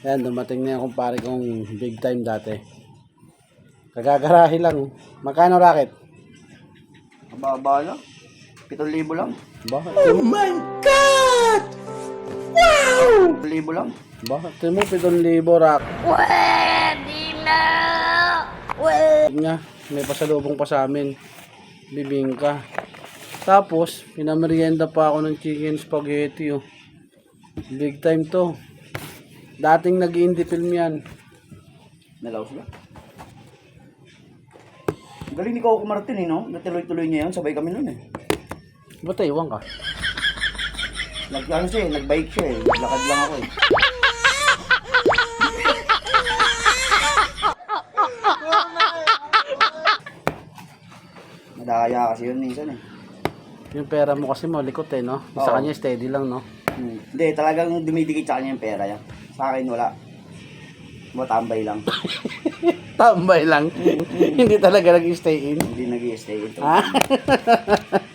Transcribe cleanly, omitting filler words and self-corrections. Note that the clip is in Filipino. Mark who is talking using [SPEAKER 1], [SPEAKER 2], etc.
[SPEAKER 1] Ayan, dumating na yung kumpare kong big time dati. Kagagarahe lang. Magkano racket?
[SPEAKER 2] Mababa lang. 7,000 lang.
[SPEAKER 1] Bakit?
[SPEAKER 3] Oh my God! Wow!
[SPEAKER 2] 7,000 lang.
[SPEAKER 1] Bakit? Mo 7,000 rack.
[SPEAKER 3] Pwede na! Pwede!
[SPEAKER 1] Nga, may pasalubong pa sa amin. Bibingka. Tapos, pinamerienda pa ako ng chicken spaghetti. Oh. Big time to. Dating nag-indie film yan.
[SPEAKER 2] Nalaos ba? Galing ni Coco Martin no? Natuloy-tuloy niya yun. Sabay kami nun eh.
[SPEAKER 1] Ba't iwan ka?
[SPEAKER 2] Ano siya eh, nag-bike siya eh. Lakad lang ako eh. Madaya kasi yun minsan eh.
[SPEAKER 1] Yung pera mo kasi malikot eh, no? Sa
[SPEAKER 2] Oo.
[SPEAKER 1] kanya steady lang, no?
[SPEAKER 2] Hindi, talagang dumidikit sa kanya yung pera yan. Sa akin wala. Matambay lang.
[SPEAKER 1] Tambay lang. Hindi talaga nag-stay in.
[SPEAKER 2] Hindi nag-i-stay ito.
[SPEAKER 1] Ha?